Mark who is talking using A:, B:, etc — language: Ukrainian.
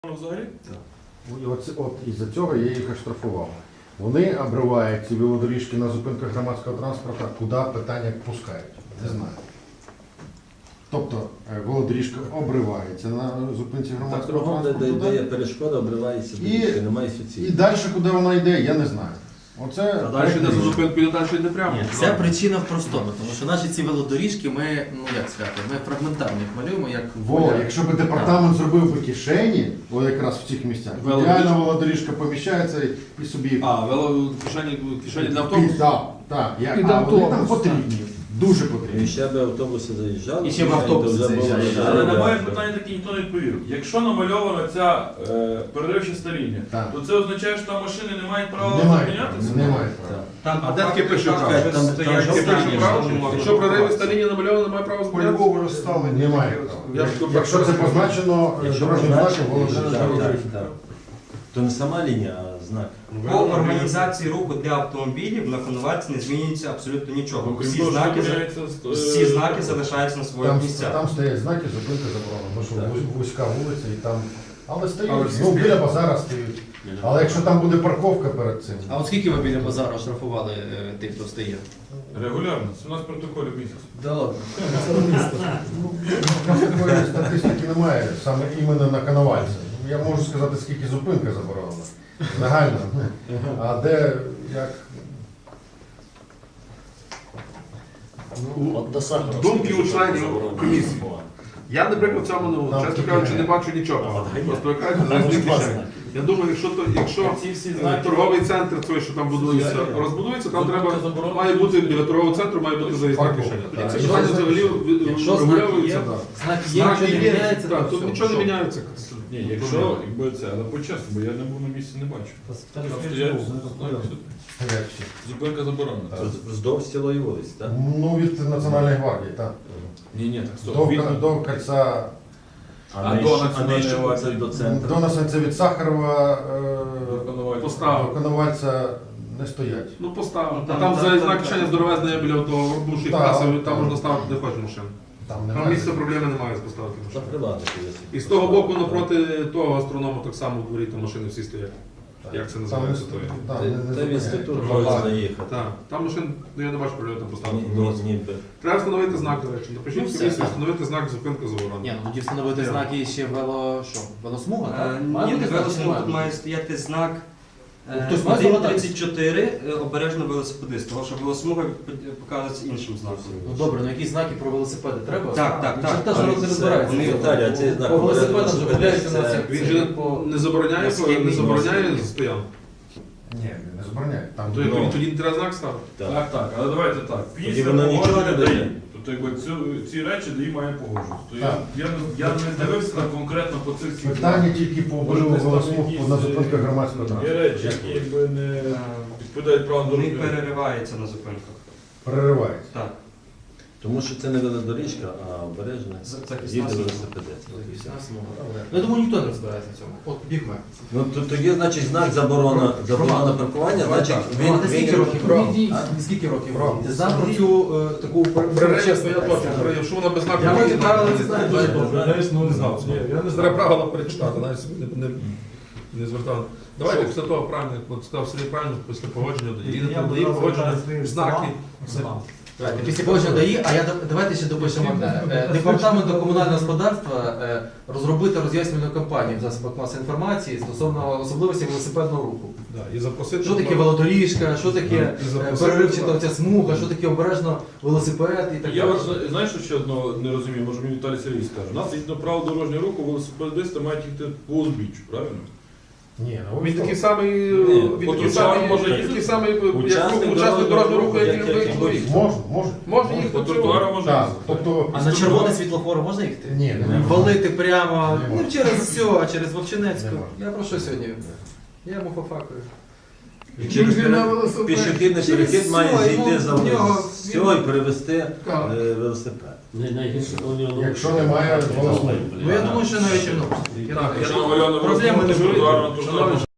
A: Взагалі?
B: І от із-за цього я їх оштрафував. Вони обривають ці велодоріжки на зупинках громадського транспорту, куди питання пускають. Не знаю. Тобто велодоріжка обривається на зупинці громадського транспорту.
C: Де є перешкода, обривається, немає суцільності.
B: І далі, куди вона йде, я не знаю. Оце
A: А далі йде за зупинку, і далі йде прямо.
D: Ні, вся причина в простому, тому що наші ці велодоріжки ми, ну як сказати, ми фрагментарно їх малюємо, як
B: якщо б департамент зробив би кишені, о, якраз в цих місцях, ідеально велодоріжка поміщається і собі...
A: Кишені для автобусу?
B: Так. Вони там потрібні. Дуже потрібні.
C: І ще б автобуси заїжджали.
D: І ще б автобуси заїжджали.
A: Але на моє питання таке ніхто не відповів. Якщо намальована ця переривчаста лінія,
B: Так.
A: то це означає, що там машини не мають права
B: Немає.
A: зупинятися?
B: Немає права.
A: А де таке пише право? Якщо проривиста лінія намальована, немає права зупинятися?
E: По-любому розставлення.
B: Немає права. Якщо це позначено дорожнім знаком, воно
C: То не сама лінія, а знак.
F: По організації руху для автомобілів на конвальці не змінюється абсолютно нічого.
A: Крім
F: Всі
A: того, що
F: знаки,
A: поміняється,
F: всі знаки залишаються на своїх місцях.
B: Там стоять знаки, зупинка заборонена, бо що вузька вулиця і там. Але стоїть,
E: Але всі
B: ну біля базара стоїть. Але якщо там буде парковка перед цим,
D: А от скільки ви біля базару штрафували тих, хто стоїть?
A: Регулярно, це у нас протоколі в місяць.
D: Да ладно.
B: у нас такої статистики немає, саме іменно на Коновальці. Я можу сказати, скільки зупинка заборонена. Загально. А де, як...
E: Думки у членів комісії. Я, наприклад, в цьому, чесно кажучи, не бачу нічого. Просто кажуть, за кишені. Я думаю, якщо
A: Ці всі знаки,
E: торговий центр, той, що там будується, розбудується, там має бути біля торгового центру, має бути заїзна кишеня. Тоді ці питання взагалі
D: Якщо знаки
E: врегульовуються.
D: є,
E: да.
D: знаки є, нічого не міняється,
E: Так,
D: то
E: тут
D: все.
E: нічого не міняється.
A: Ні, якщо, якби це, але по-чесно, бо я не був на місці, не бачу. Там стоять
B: Як ще?
A: зупинка заборонена.
C: Вздовж цілої вулиці, так?
B: Ну, від Національної гвардії, так.
A: Ні, так, стоп.
B: До кольця,
A: А до Національної
C: ще
A: варти?
C: до центру.
B: до Насенця від Сахарова, до
E: Поставив.
B: Коновальця не стоять.
E: Ну, поставив.
F: Ну,
E: Там
F: там
E: заїзна
F: так,
E: кишеня
F: так.
E: здоровезна є біля того бувшої
B: Так,
E: каси,
B: так.
E: там можна ставити де хочеш машину.
B: Там
E: Там
B: немає.
E: місця проблеми немає поставити
C: Та
E: машину.
C: приватних.
E: І з того боку, напроти того гастроному, так само у дворі там машини всі стоять. Як це називається?
B: Там,
E: то?
B: там,
C: Це в інститут
B: зупиняють.
C: можна заїхати.
E: Так, там машин, ну я не бачу проблеми там поставити.
C: Ніби.
E: Треба встановити знак, до речі. Напишіть
D: Ну, все,
E: комісію,
D: так.
E: встановити знак зупинка
D: Ні,
E: заборонена.
D: ну тоді встановити знаки ще велосмуга, так?
F: Ні,
D: бути
F: на велосмугу
D: знак,
F: тут має стояти знак
D: Хтось має здогадатися?
F: 1.34 обережно велосипедист, тому що велосмуга показується іншим знаком.
D: Ну добре, ну якісь знаки про велосипеди треба?
F: Так.
D: Та ж народ не розбирається.
C: Вони Віталій, а цей знак
D: По велосипедам вже
C: велосипедист,
D: гуляють у нас
C: це-
D: як
E: Він
D: це,
E: же
D: по...
E: не забороняє, не забороняє стоянку.
B: Ні, не забороняють. Там
E: То тоді не треба знак ставити.
C: Так.
A: Так, але давайте так.
C: Тоді
A: Після
C: воно нічого
A: погодження
C: не дає.
A: ДАІ. Тобто якби ці речі ДАІ має погоджувати. То
B: Так.
A: я не дивився на конкретно по цих всіх.
B: питання тільки по
A: Може,
B: обриву
A: десь там
B: велосмуг
A: якісь,
B: на зупинках громадського
A: Є
B: транспорту.
A: речі, які якби не відповідають правилам
F: Вони
A: дорожнього руху.
F: перериваються на зупинках.
B: Переривається.
F: Так.
C: Тому що це не велодоріжка, а обережна.
F: Захисна
C: Їде
F: смуга.
C: велосипедист.
D: Ну, я думаю, ніхто не розбирається на цьому. От бігме.
C: Ну тоді, значить, знак заборона паркування, значить він
D: Скільки років? Скільки років? Ти знав про цю таку
E: Чесно, я точно. Якщо вона без знаку,
D: Я
E: не
D: правила не знаю.
E: не знав. Я не знаю правила перечитати, навіть не звертав. Давайте після того правильно, як сказав Сергій правильно, після погодження дає погодження, знаки.
D: Після погодження ДАІ, а давайте ще допишемо одне. Департаменту комунального господарства розробити роз'яснювальну кампанію в засобах масової інформації стосовно особливості велосипедного руху.
E: І запросити.
D: Що таке велодоріжка, що таке
E: І запросити-
D: переривчата ця смуга, що таке обережно велосипед і так
A: Я
D: далі.
A: знаєш, що ще одного не розумію, може мені Віталій Сергій скаже. У нас згідно правил дорожнього руху велосипедисти мають їхати по узбіччю, правильно?
B: Ні, ну
E: Він такий самий, він
A: От
E: такий
A: учасник
E: самий,
A: може
E: він
A: їздити?
E: такий самий, як
C: Учасник
E: учасник дорожнього руху, як
C: як
E: і
C: і
E: чоловік.
B: Може.
E: Може
A: По
E: їхати
A: тротуару може
B: Так,
A: їздити.
B: тобто...
D: А на червоне світлофор можна їхати?
B: Ні, не можна.
D: Валити прямо,
B: Не
D: не
B: можна.
D: через все, а через Вовчинецьку.
B: Не можна.
D: Я про що сьогодні? Я йому пофакую.
C: Через пішохідний перехід має
D: все,
C: зійти за
D: йому- в нього-
C: всього і перевести велосипед.
B: Якщо немає велосмуги.
D: Ну я думаю, що навіть
E: Так,
A: Якщо намальовано
D: проблеми не
A: тротуару,
D: буде.
A: то